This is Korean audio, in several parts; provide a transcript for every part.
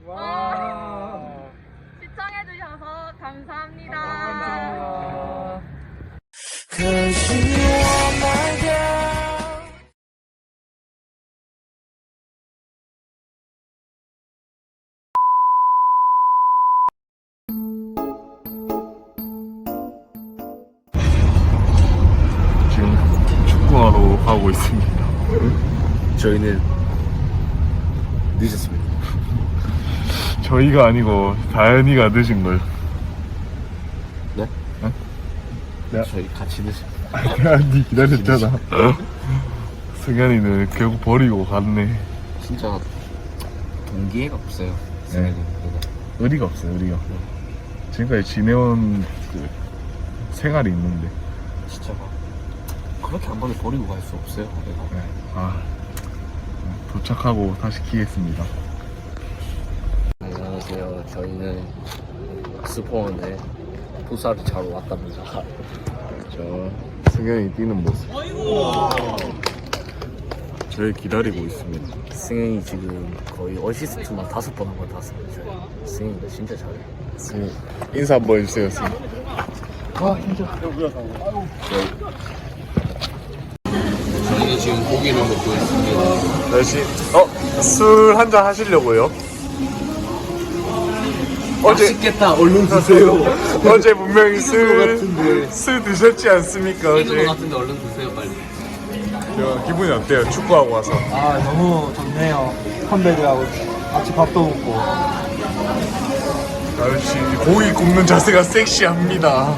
와. 시청해주셔서 감사합니다. 감사합니다. 지금 축구하러 가고 있습니다. 저희는 늦었습니다. 저희가 아니고 다현이가 늦은 걸. 네? 어? 네. 저희 같이 늦었습니다. 니 기다렸잖아. 승현이는 결국 버리고 갔네. 진짜 동기애가 없어요. 네. 의리가 없어요, 의리가. 지금까지 지내온 그 생활이 있는데. 진짜 막 그렇게 한 번에 버리고 갈 수 없어요. 내가. 네. 아, 도착하고 다시 키겠습니다. 안녕하세요. 저희는 스포원에 풋살을 차러 왔답니다. 저 승현이 뛰는 모습. 저희 기다리고 있습니다. 승현이 지금 거의 어시스트만 5번 한 것 같았어요. 승현이가 진짜 잘해요. 승현 인사 한번 해주세요, 승현. 저희는 지금 고기를 먹고 있습니다. 다시 술 한잔 하시려고요? 맛있겠다. 얼른 드세요. 어제 분명히 술 같은데. 드셨지 않습니까? 있는 어제 것 같은데 얼른 드세요 빨리. 저 기분이 어때요? 축구하고 와서. 아 너무 좋네요. 선배들하고 같이 밥도 먹고. 역시 고기 굽는 자세가 섹시합니다.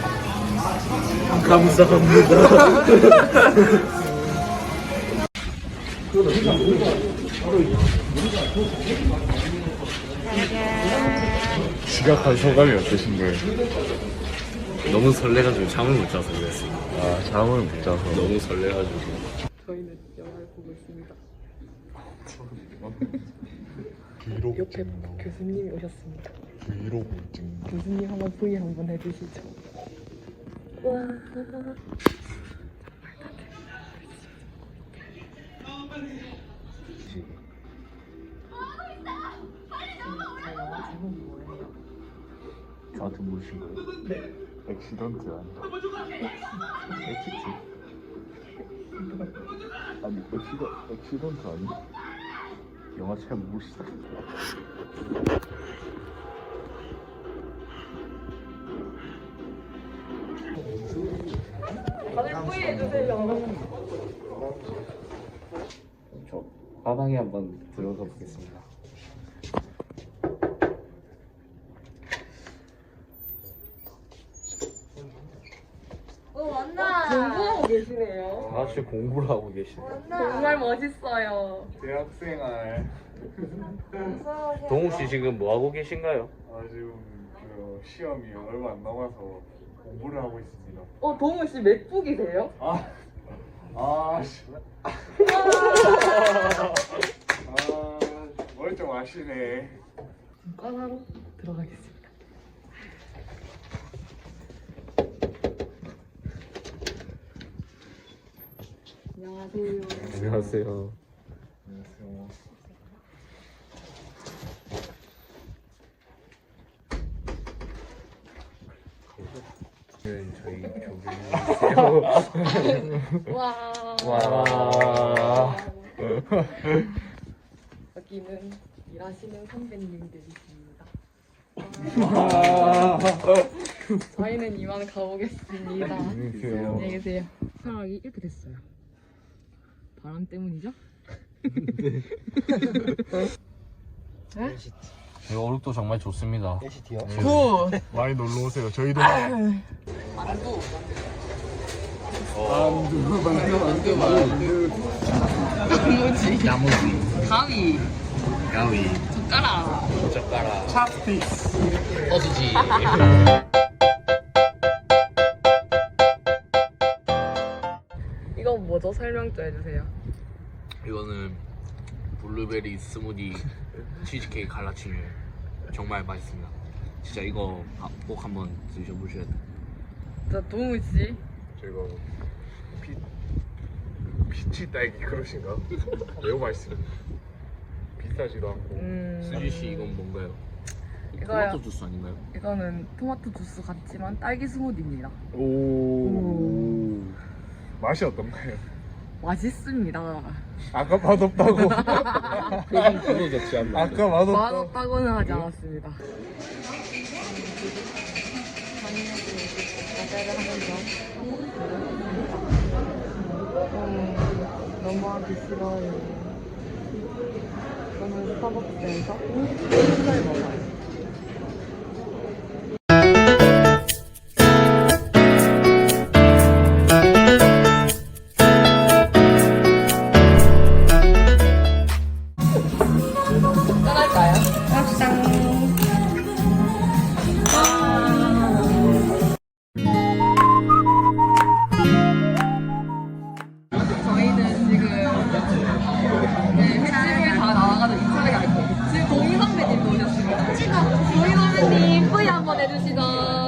감사합니다. 지각한 소감이 어떠신 거예요? 너무 설레가지고 잠을 못 자서 그랬어요. 아, 잠을 못 자서. 너무 설레가지고. 저희는 영화를 보고 있습니다. 기록 옆에 찍는 거. 교수님이 오셨습니다. 기록 찍는 거. 교수님 한번 V 한번 해주시죠. 와. 저한테 물으신 거예요? 액시던트 아니야? 엑시트. 아니, 액시던트 아니야? 영화 잘 모르시다. 다들 V 해주세요. 저 화방에 한번 들어가 보겠습니다. 왔나? 공부하고 계시네요. 다 같이 공부를 하고 계시네요. 정말 멋있어요. 대학생활. 동욱 씨 지금 뭐 하고 계신가요? 아, 지금 그 시험이 얼마 안 남아서 공부를 하고 있습니다. 동우 씨 맥북이세요? 씨. 뭘 좀 아시네. 과사로 들어가겠습니다. 안녕하세요. 안녕하세요. 안녕하세요. 저희 교수님이세요. 와. 와. 여기는 일하시는 선배님들이십니다. 저희는 이만 가보겠습니다. 안녕히 계세요. 사랑이 이렇게 됐어요. 바람 때문이죠? 저희 어묵도 정말 좋습니다. 많이 놀러 오세요. 저희도 나무지. 야무지, 가위. 가위, 젓가락. 젓가락, 찹스틱. 어수지. 이건 뭐죠? 설명 좀 해주세요. 이거는 블루베리 스무디 치즈케이크 갈라치뉴 정말 맛있습니다. 진짜 이거 꼭 한번 드셔보셔야 돼요. 자, 동우 씨. 저희가 피치 딸기 그릇인가? 매우 맛있습니다. 비싸지도 않고. 수지 씨 이건 뭔가요? 이거요. 토마토 주스 아닌가요? 이거는 토마토 주스 같지만 딸기 스무디입니다. 오. 맛이 어떤가요? 맛있습니다. 아까 맛없다고. 표정 그거 좋지 않나? 아까 맛없다고. 맛없다고는 하지 않았습니다. 과제를 하면서 너무 하기 싫어요. 저는 스타벅스에서 흰살 먹어요. 떠날까요? 저희는 지금 횟집을 다 나와가지고 인사를 갈 거예요. 지금 동희 선배님도 오셨습니다. 찍어. 동희 선배님 뿌이 한번 해주시죠.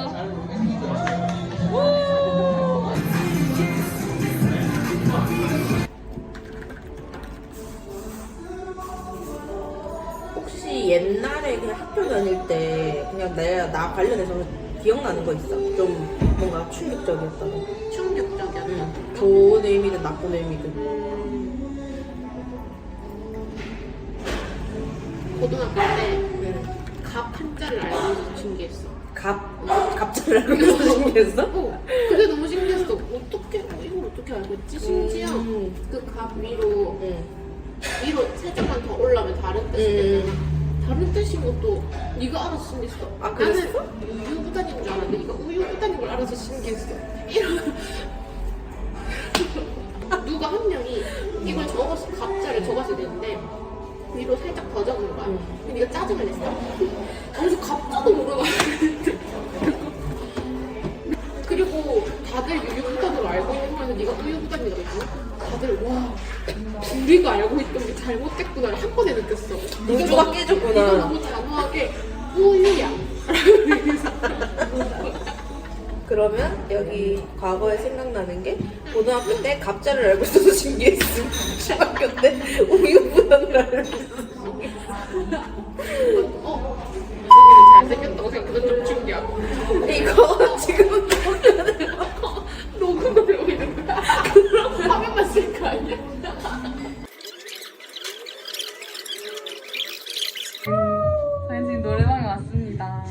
혹시 옛날에 그냥 학교 다닐 때 그냥 나 관련해서 기억나는 거 있어? 좀 뭔가 충격적이었다고. 충격적이었다. 응. 좋은 의미든 나쁜 의미든. 고등학교 때 응. 갑 한자를 알고 있어서 신기했어. 갑자기 알고 신기했어? 그게 너무 신기했어. 어떻게 이걸 어떻게 알고 있지? 심지어 그 갑 위로 응. 살짝만 더 올라오면 다른 뜻이 되잖아. 다른 뜻인 것도 네가 알아서 신기했어. 아, 그랬어? 나는 우유부단인 줄 알았는데 네가 우유부단인 걸 알아서 신기했어. 이런 누가 한 명이 이걸 적었어. 갑자를 적었어야 되는데 위로 살짝 더 적은 거야. 근데 네가 짜증을 냈어. 아무튼 갑자도 모르고 그리고 다들 유유부단으로 알고 있는 거에서 네가 우유부단이라고 했잖아. 다들 와 우리가 알고 있던 게 잘못됐구나를 한 번에 느꼈어. 우주가 깨졌구나. 네가 너무 단호하게 우유야. 그러면 여기 과거에 생각나는 게 고등학교 때 갑자를 알고 있어서 신기했음. 중학교 때 우유부단을 알고 있어서 여기는 잘생겼다고 생각해서 좀 충격. 이거 지금 녹음을 하고 있는 거야. 화면만 쓸 거 아니야? 저희 지금 노래방에 왔습니다.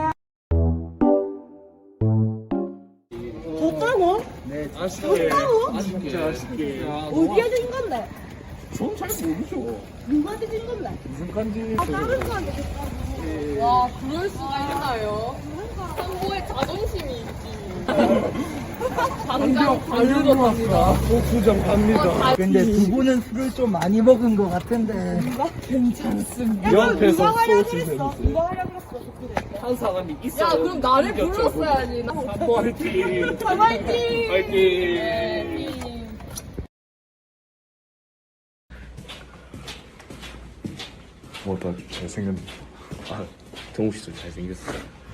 아쉽게. 진짜 아쉽게. 어디에 준 건데? 전잘 모르죠. 누구한테 준 건데? 무슨 간지. 다른 사람한테 줬다고. 와, 그럴 수가 있나요? 선보의 자존심이 있지. 당장 발로 왔어. 고수정 갑니다. 근데 두 분은 술을 좀 많이 먹은 것 같은데. 괜찮습니다. 옆에서 누가 하려고 소주 그랬어? 내주세요. 누가 하려고 그랬어? 한 사람이 있어. 야, 그럼 나를 불렀어야지. 화이팅. 화이팅! 화이팅. 네, 팀. 뭐다 잘생겼네. 아, 정우 씨도 잘생겼어요.